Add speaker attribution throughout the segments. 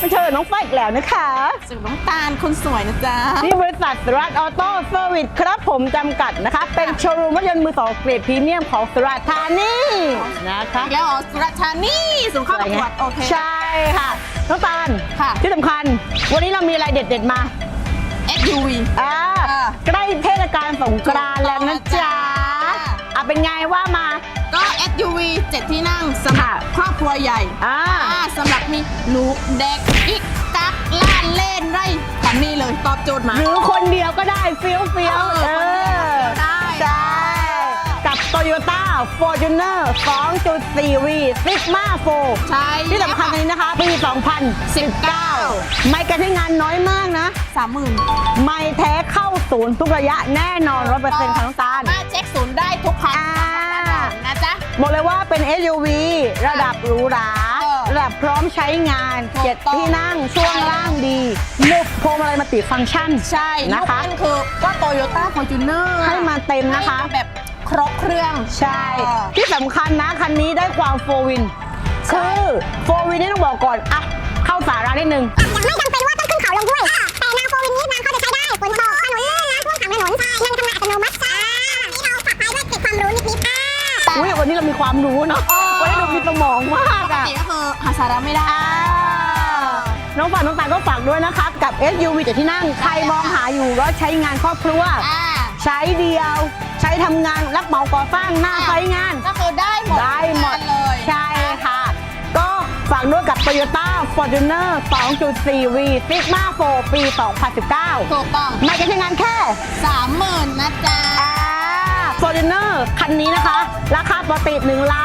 Speaker 1: เชิญน้องไฟอีกแล้วนะคะ
Speaker 2: สุดน้ำตาลคนสวยนะจ๊ะ
Speaker 1: ที่บริษัทสุรัตน์ออโต้เซอร์วิสครับผมจำกัดนะคะเป็นโชว์รูมรถยนต์มือสองเกรดพรีเมียมของสุราษฎร์ธานีนะคะ
Speaker 2: แล้วสุราษฎร์ธานีส่งเข้าประกวดโอเค
Speaker 1: ใช่ค่ะน้องตาล
Speaker 2: ค่ะ
Speaker 1: ที่สำคัญวันนี้เรามีอะไรเด็ดๆมา
Speaker 2: SUV
Speaker 1: ใกล้เทศกาลสงกรานต์แล้วนะจ๊ะเป็นไงว่ามา
Speaker 2: ก็ SUV 7 ที่นั่งสำหรับครอบครัวใหญ่สำหรับมีหนูเด็กกิ๊กกักล่านเล่นไรแบบนี้เลยตอบโจทย์มา
Speaker 1: หรือคนเดียวก็ได้เฟี้ยว
Speaker 2: ได้
Speaker 1: ใช่กับ Toyota Fortuner 2.4V Sigma 4
Speaker 2: ใช่
Speaker 1: ที่สำคัญนี้นะคะปี 2019ไม่การใช้งานน้อยมากนะ
Speaker 2: 30,000
Speaker 1: ไม่แท้เข้าศูนย์ทุกระยะแน่นอน 100% ค่ะน้องตาล
Speaker 2: มาเช็คศูนย์ได้ทุกคันนะจ๊ะ
Speaker 1: บอกเลยว่าเป็น SUV ระดับหรูหราระดับพร้อมใช้งาน7ที่นั่งช่วงล่างดีมุกพวงมาลัยมัลติฟังก์ชัน
Speaker 2: ใช่นะคะคือก็ Toyota Fortuner
Speaker 1: ให้มาเต็มนะคะ
Speaker 2: แบบครบเครื่อง
Speaker 1: ใช่ที่สำคัญนะคันนี้ได้ความโฟวินคือโฟวินนี่ต้องบอกก่อนอะเข้าสาระนิดนึง
Speaker 3: ไม่จำเป็นว่าต้องขึ้นเขาลงด้วยแต่แนวโฟวินนี้นางเขาจะใช้ได้ฝนตกถนนลื่นนะท่วมขังถนนยังทำงานอัตโนมัตินี่เราฝากท้ายด้วยเก็บความรู้นิด
Speaker 1: วันนี้เรามีความรู้เนาะวันนี้เรามีสมองมากอะ
Speaker 2: ปกติก็คือหาสาระไม่ได้
Speaker 1: น้องฝากน้องตาลก็ฝากด้วยนะคะกับ SUV 7 ที่นั่งใครมองหาอยู่รถใช้งานครอบครัวใช้เดียวใช้ทำงานรับเหมาก่อสร้างหน้าไซต์งาน
Speaker 2: ก็คือได้หมด
Speaker 1: เลยใช่ค่ะก็ฝากด้วยกับ Toyota Fortuner 2.4V Sigma 4 ปี 2019
Speaker 2: ถูกต้อง
Speaker 1: ไม่การใช้งานแค่
Speaker 2: 30,000 นะจ๊ะ
Speaker 1: Fortuner คันนี้นะคะราคาปกติ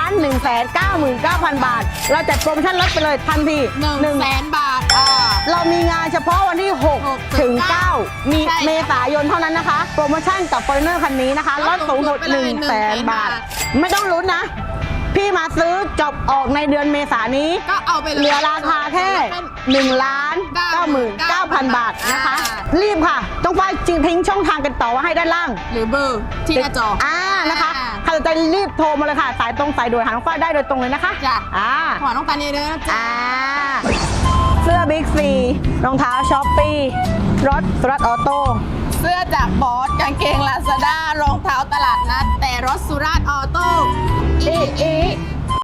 Speaker 1: 1,199,000 บาทเราจัดโปรโมชั่นลดไปเลยทันที
Speaker 2: 100,000 บาท
Speaker 1: เรามีงานเฉพาะวันที่6ถึง9มีเมษายนเท่านั้นนะคะโปรโมชั่นกับ Fortuner คันนี้นะคะลดสูงสุด 100,000 บาทไม่ต้องลุ้นนะพี่มาซื้อจบออกในเดือนเมษายนนี้
Speaker 2: ก็เอาไปเลย
Speaker 1: เหลือราคาแค่ 1,99,000 บาทนะคะรีบค่ะต้องไปทิ้งช่องทางกันต่อไว้ให้ด้านล่าง
Speaker 2: หรือเบอร์ที่หน้าจอ
Speaker 1: นะคะใครสนใจรีบโทรมาเลยค่ะสายตรงสายด่วนหาน้องฝ้ายได้โดยตรงเลยนะคะ
Speaker 2: จ้ะขอน้องตาลเยอะๆนะจ๊ะ
Speaker 1: เสื้อบิ๊กซีรองเท้าช้อปปี้รถสุรัตน์ออโต้
Speaker 2: เสื้อจากบอสกางเกงลาซาด้ารองเท้าตลาดนัดแต่รถสุราษฎร์ออโต้
Speaker 1: อี